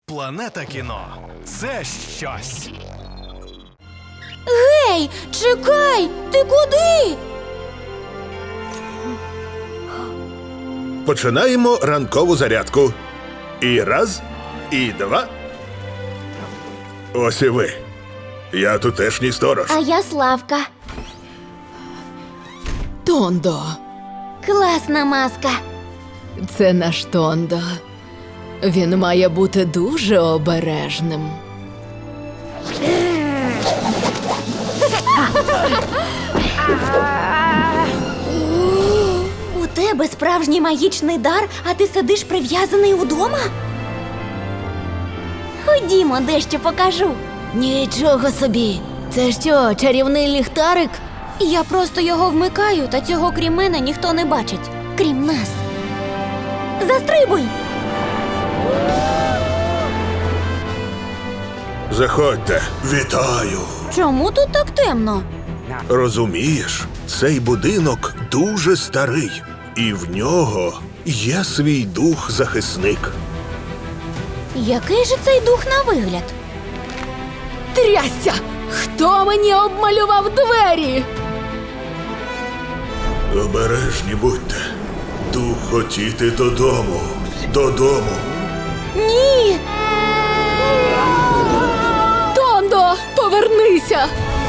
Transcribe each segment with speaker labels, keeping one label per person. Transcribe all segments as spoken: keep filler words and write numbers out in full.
Speaker 1: Планета кіно – це щось.
Speaker 2: Гей, чекай! Ти куди?
Speaker 3: Починаємо ранкову зарядку. І раз, і два. Ось і ви. Я тутешній сторож.
Speaker 2: А я Славка.
Speaker 4: Тондо.
Speaker 2: Класна маска.
Speaker 4: Це наш Тондо. Він має бути дуже обережним.
Speaker 2: У тебе справжній магічний дар, а ти сидиш прив'язаний удома? Ходімо, дещо покажу.
Speaker 4: Нічого собі. Це що, чарівний ліхтарик?
Speaker 2: Я просто його вмикаю, та цього крім мене ніхто не бачить. Крім нас. Застрибуй!
Speaker 3: Заходьте. Вітаю.
Speaker 2: Чому тут так темно?
Speaker 3: Розумієш, цей будинок дуже старий. І в нього є свій дух-захисник.
Speaker 2: Який же цей дух на вигляд?
Speaker 4: Трясся! Хто мені обмалював двері?
Speaker 3: Обережні будьте. Дух хотіти додому. Додому.
Speaker 2: Ні!
Speaker 4: Тондо, повернися!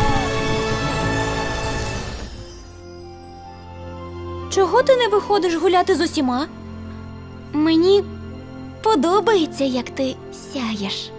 Speaker 2: Чого ти не виходиш гуляти з усіма? Мені подобається, як ти сяєш.